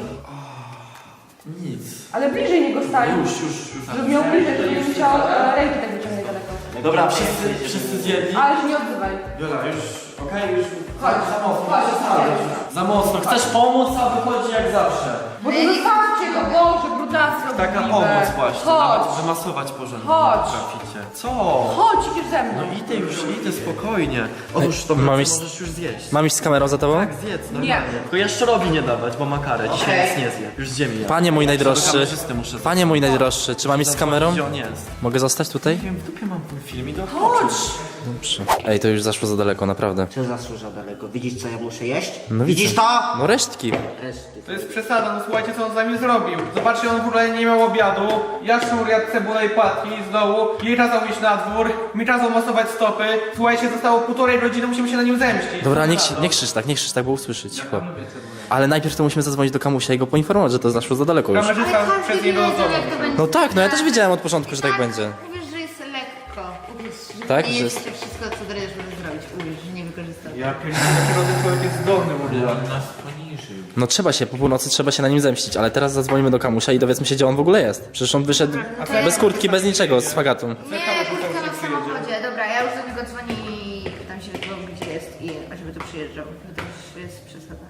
Speaker 7: Ale bliżej niego stań. Już, już, już. Żeby miał bliżej, żeby nie musiał e, ręki tak wyciągnąć daleko.
Speaker 2: Dobra, wszyscy, wszyscy zjedli.
Speaker 7: Ale się nie odzywaj.
Speaker 2: Jola, już, okej, już.
Speaker 7: Chodź,
Speaker 2: Za mocno,
Speaker 7: chodź,
Speaker 2: przesadzasz. Za mocno. Chcesz pomóc, a wychodzi jak zawsze.
Speaker 7: Bo to zostawcie go, Boże, brudactwo.
Speaker 2: Taka
Speaker 7: obrzydliwe.
Speaker 2: pomoc właśnie,
Speaker 7: Chodź.
Speaker 2: nawet wymasować porządnie.
Speaker 7: Chodź.
Speaker 2: Traficie. Co?
Speaker 7: Chodź, idziesz ze mną.
Speaker 2: No idę już, idę spokojnie. Otóż to
Speaker 9: mam
Speaker 2: mam
Speaker 9: iść-
Speaker 2: możesz już zjeść.
Speaker 9: Mam iść z kamerą za tobą?
Speaker 2: Tak, zjedz, normalnie. Tylko jaszczorowi nie dawać, bo ma karę. Dzisiaj nic nie zje. Już z ziemi.
Speaker 9: Panie mój najdroższy.
Speaker 2: kamerzysty muszę
Speaker 9: Panie mój najdroższy, czy mam iść z kamerą?
Speaker 2: Gdzie on jest?
Speaker 9: Mogę zostać tutaj?
Speaker 2: Nie wiem, w dupie mam ten film i do
Speaker 7: Chodź.
Speaker 9: Dobrze. Ej, to już zaszło za daleko, naprawdę.
Speaker 5: Co zasłuża daleko? Widzisz co ja muszę jeść?
Speaker 9: No
Speaker 5: Widzisz
Speaker 9: widzę.
Speaker 5: to?
Speaker 9: No resztki.
Speaker 5: Reszty.
Speaker 8: To jest przesada, no słuchajcie co on z nami zrobił. Zobaczcie, on w ogóle nie miał obiadu. Jaszczur jadł cebulę i płatki z dołu. Jej kazał iść na dwór, mi kazał masować stopy. Słuchajcie, zostało półtorej godziny, musimy się na nim zemścić.
Speaker 9: Dobra, nie, krzy- nie krzycz tak, nie krzycz tak, bo usłyszy, cicho. Ale najpierw to musimy zadzwonić do Kamusia i go poinformować, że to zaszło za daleko już.
Speaker 8: Kamerzysta
Speaker 3: Ale
Speaker 8: przez
Speaker 3: każdy
Speaker 8: niego
Speaker 3: wiedział,
Speaker 8: domu.
Speaker 3: jak to będzie.
Speaker 9: No tak, no ja też wiedziałem od początku, że tak będzie.
Speaker 3: Uwierz, że jest lekko. Uwierz, że
Speaker 9: Tak,
Speaker 3: nie
Speaker 9: że
Speaker 3: jest
Speaker 9: jest-
Speaker 3: to wszystko, co Dredziarz może zrobić. Uwierz, że nie wykorzystał.
Speaker 8: Ja pierdolę, jaki rodzaj człowiek jest zdolny w ogóle.
Speaker 9: No trzeba się, po północy trzeba się na nim zemścić, ale teraz zadzwonimy do Kamusia i dowiedzmy się, gdzie on w ogóle jest. Przecież on wyszedł bez kurtki, bez niczego, z fagatą.
Speaker 3: Nie, kurtka ma w samochodzie. Dobra, ja już do niego dzwonię i pytam się, gdzie jest i żeby tu przyjeżdżał. To już jest przesada.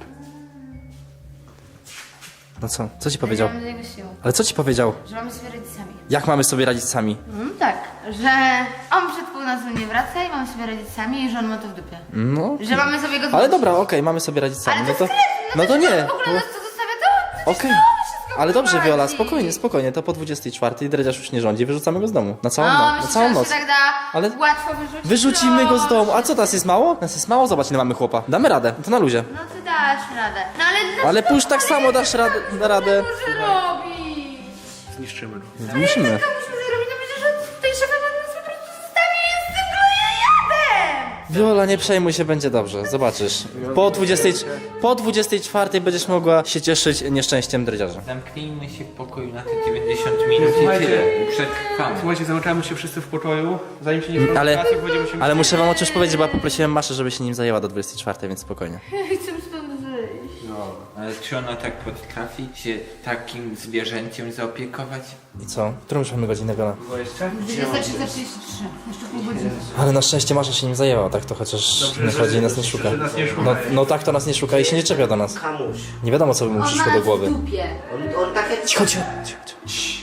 Speaker 9: No co? Co ci powiedział?
Speaker 3: Mamy do niego siłę.
Speaker 9: Ale co ci powiedział?
Speaker 3: Że mamy sobie radzić sami.
Speaker 9: Jak mamy sobie radzić sami?
Speaker 3: Mm, tak, że on przed północą nie wraca i mamy sobie radzić sami i że on ma to w dupie.
Speaker 9: No.
Speaker 3: Że mamy sobie go
Speaker 9: Ale
Speaker 3: zmusić.
Speaker 9: dobra, okej, mamy sobie radzić sami.
Speaker 3: Ale
Speaker 9: No
Speaker 3: to
Speaker 9: to,
Speaker 3: jest kretyn,
Speaker 9: no to
Speaker 3: że
Speaker 9: nie.
Speaker 3: W ogóle nas to zostawia to?
Speaker 9: Okej.
Speaker 3: wszystko
Speaker 9: Ale dobrze,
Speaker 3: prowadzi.
Speaker 9: Wiola, spokojnie, spokojnie. To po dwudziestej czwartej Dredziarz już nie rządzi, wyrzucamy go z domu. Na całą
Speaker 3: No,
Speaker 9: noc. Na
Speaker 3: myślisz,
Speaker 9: całą
Speaker 3: że
Speaker 9: noc.
Speaker 3: się tak da
Speaker 9: Ale-
Speaker 3: łatwo wyrzucić?
Speaker 9: Wyrzucimy go z
Speaker 3: No.
Speaker 9: domu. A co, nas jest mało? Nas jest mało? Zobacz, ile mamy chłopa. Damy radę, to na luzie.
Speaker 3: No ty dasz radę. No ale...
Speaker 9: Ale pójść tak samo dasz radę, da radę.
Speaker 3: Co może robić?
Speaker 2: Zniszczymy go.
Speaker 9: Musimy.
Speaker 3: Co musimy zrobić? No przecież on tutaj szefa nas po prostu zostawi i z tym gloriatem!
Speaker 9: Wiola, nie przejmuj się, będzie dobrze. Zobaczysz. Po dwudziestej, po dwudziestej czwartej będziesz mogła się cieszyć nieszczęściem Dredziarza.
Speaker 4: Zamknijmy się w pokoju na te dziewięćdziesiąt minut i tyle. I przetrwamy.
Speaker 8: Słuchajcie, zamykamy się wszyscy w pokoju, zanim się nie
Speaker 9: Ale,
Speaker 8: spotkamy, będziemy się...
Speaker 9: ale muszę wam o czymś powiedzieć, bo ja poprosiłem Maszę, żeby się nim zajęła do dwudziestej czwartej, więc spokojnie.
Speaker 3: Chcę stąd wyjść.
Speaker 4: No, ale czy ona tak potrafi się takim zwierzęciem zaopiekować?
Speaker 9: I co? Którą już mamy godzinę, Wiola?
Speaker 4: Było jeszcze?
Speaker 3: dwudziesta trzysta trzydzieści trzy. Jeszcze pół godziny.
Speaker 9: Ale na szczęście Masza się nim zajęła, tak to chociaż nie chodzi i nas nie szuka.
Speaker 2: nas nie szuka.
Speaker 9: No, no tak to nas nie szuka i się nie czepia do nas.
Speaker 5: Kamuś.
Speaker 9: Nie wiadomo, co by mu
Speaker 3: On
Speaker 9: przyszło
Speaker 3: ma
Speaker 9: do
Speaker 3: nas
Speaker 9: głowy.
Speaker 3: w dupie.
Speaker 5: On, on takie...
Speaker 9: Cicho, cicho, cicho, cicho.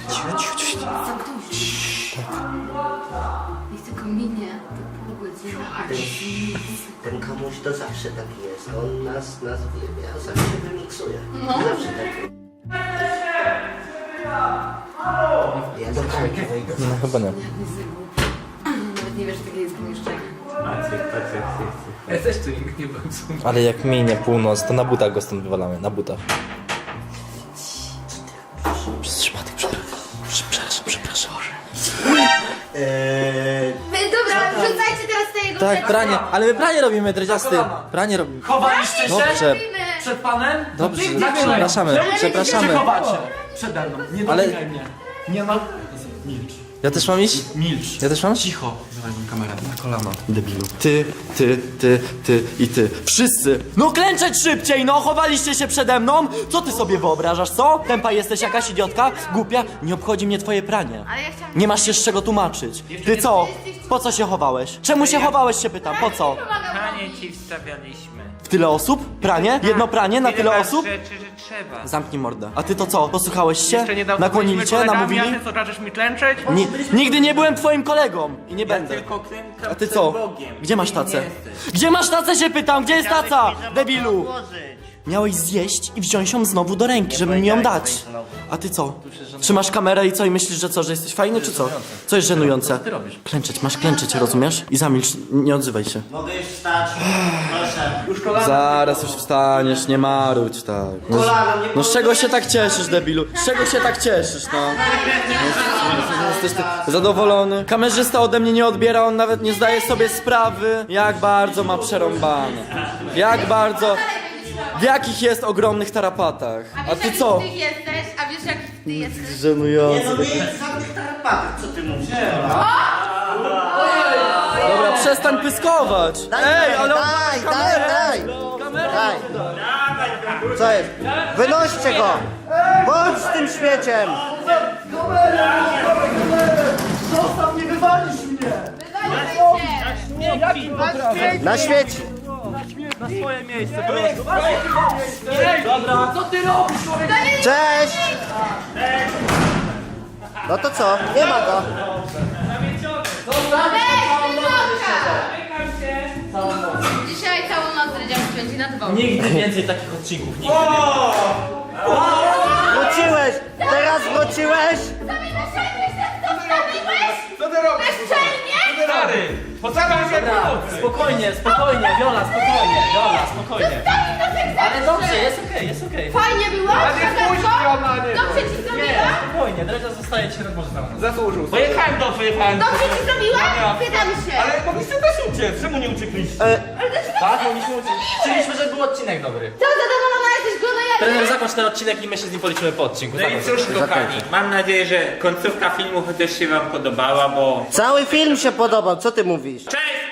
Speaker 3: Niech tylko minie to pół godziny, a to jest nic.
Speaker 5: Ten Kamuś to zawsze taki jest. On nas, nas wie, zawsze wymiksuje. Zawsze taki. Ja do Kamki wejdę.
Speaker 9: No chyba nie.
Speaker 3: Nawet nie wiesz, że takie jest pomieszczenie.
Speaker 4: Ja też tu nikt nie był.
Speaker 9: Ale jak minie północ, to na butach go stąd wywalamy, na butach. Przez przypadek, przepraszam, przepraszam, przepraszam.
Speaker 5: Eee,
Speaker 3: Wy, dobra, wrzucajcie teraz te jego
Speaker 9: Tak,
Speaker 3: rzeczy.
Speaker 9: pranie, ale my pranie robimy, dredziasty. Pranie robimy.
Speaker 2: Chowaliście się
Speaker 9: Dobrze,
Speaker 3: Robimy.
Speaker 2: przed panem?
Speaker 9: dobrze,
Speaker 2: Na chwilę.
Speaker 9: przepraszamy,
Speaker 2: Czemu się
Speaker 9: przepraszamy.
Speaker 2: chowacie? Przede mną. Nie
Speaker 9: Ale-
Speaker 2: dotykaj mnie. Nie ma... Milcz.
Speaker 9: Ja też mam iść?
Speaker 2: Milcz.
Speaker 9: Ja też mam?
Speaker 2: Cicho. Dawaj mi kamerę. Na kolana. Debilu. Ty, ty, ty, ty i ty. Wszyscy. No klęczeć szybciej, no! Chowaliście się przede mną? Co ty sobie wyobrażasz, co? Tempa jesteś jakaś idiotka? Głupia? Nie obchodzi mnie twoje pranie.
Speaker 3: Ale ja chciałam...
Speaker 2: Nie masz się z czego tłumaczyć. Ty co? Po co się chowałeś? Czemu się chowałeś, się pytam, po co?
Speaker 4: Pranie ci wstawialiśmy.
Speaker 2: W tyle osób? Pranie? Jedno pranie na tyle
Speaker 4: masz
Speaker 2: osób?
Speaker 4: rzeczy, że trzeba.
Speaker 2: Zamknij mordę. A ty to co? Posłuchałeś się?
Speaker 8: Jeszcze niedawno
Speaker 2: Nakłonili
Speaker 8: byliśmy
Speaker 2: cię?
Speaker 8: kolegami,
Speaker 2: Namówili?
Speaker 8: a ty co, każesz mi klęczeć?
Speaker 2: Ni nigdy nie byłem twoim kolegą i nie
Speaker 4: Ja
Speaker 2: będę.
Speaker 4: tylko klękam
Speaker 2: A ty
Speaker 4: przed
Speaker 2: co?
Speaker 4: Bogiem.
Speaker 2: Gdzie masz
Speaker 4: Ty
Speaker 2: tacę?
Speaker 4: nie jesteś.
Speaker 2: Gdzie masz tacę, się pytam? Gdzie jest taca?
Speaker 5: mi, że
Speaker 2: Debilu!
Speaker 5: można odłożyć.
Speaker 2: Miałeś zjeść i wziąć ją znowu do ręki, żeby mi ją
Speaker 5: powiedziałeś
Speaker 2: dać.
Speaker 5: swoim znowu.
Speaker 2: A ty co? Trzymasz kamerę i co? I myślisz, że co? Że jesteś fajny, czy co? Co jest żenujące? Klęczeć, masz klęczeć, rozumiesz? I zamilcz, nie odzywaj się.
Speaker 5: Mogę już wstać? Proszę.
Speaker 8: Już kolana.
Speaker 2: Zaraz już wstaniesz, nie marudź tak. No,
Speaker 5: Kolano, nie
Speaker 2: no z czego się tak cieszysz, debilu? Z czego się tak cieszysz, no? Jesteś ty zadowolony? Kamerzysta ode mnie nie odbiera, on nawet nie zdaje sobie sprawy, jak bardzo ma przerąbane. Jak bardzo... W jakich jest ogromnych tarapatach. A ty co?
Speaker 3: Ty jesteś, a wiesz jak ty jesteś?
Speaker 2: Żenujący.
Speaker 5: Nie, no nie jest żadnych tarapatów, co ty mówisz?
Speaker 2: Dobra, przestań pyskować.
Speaker 5: Daj,
Speaker 2: Ej, ale on
Speaker 5: daj,
Speaker 2: ma
Speaker 5: daj,
Speaker 2: kamerę.
Speaker 5: daj,
Speaker 2: Kamerę.
Speaker 5: daj. Co jest? Wynoście go! Bądź z tym śmieciem!
Speaker 2: Zostaw mnie, wywalisz mnie.
Speaker 3: Wywalcie!
Speaker 5: Na śmieci!
Speaker 2: Na swoje miejsce, proszę. Dobra, co ty robisz, człowiek?
Speaker 5: Cześć! No to co? Nie ma go.
Speaker 3: Dzisiaj całą noc Dredziarz spędzi na dworze.
Speaker 9: Nigdy więcej takich odcinków, nigdy.
Speaker 5: Wróciłeś! Teraz wróciłeś!
Speaker 8: Co ty robisz?
Speaker 3: Bezczelnie?
Speaker 1: Stary, postaram się pomocy.
Speaker 9: Spokojnie, spokojnie, Viola, spokojnie, Viola, spokojnie. Ale dobrze, jest okej, jest okej.
Speaker 3: Fajnie było?
Speaker 8: nie spójrz, Fiona, nie.
Speaker 3: Dobrze ci zrobiła?
Speaker 9: Spokojnie, Dredzia zostaje dzisiaj tak może za nas.
Speaker 8: Zasłużył.
Speaker 1: Pojechałem dobrze, jechałem.
Speaker 3: Dobrze ci zrobiła? Pytam się.
Speaker 1: Ale mogliście też uciec, czemu nie uciekliście?
Speaker 9: Tak, mogliśmy uczyć. Chcieliśmy, żeby był odcinek dobry.
Speaker 3: Co, zadowolona jesteś go na
Speaker 9: Trener, zakończ ten odcinek i my się z nim policzymy po odcinku.
Speaker 4: No i
Speaker 9: Zakończ.
Speaker 4: cóż kochani, mam nadzieję, że końcówka filmu chociaż się wam podobała, bo...
Speaker 5: Cały film się podobał, co ty mówisz?
Speaker 4: Cześć!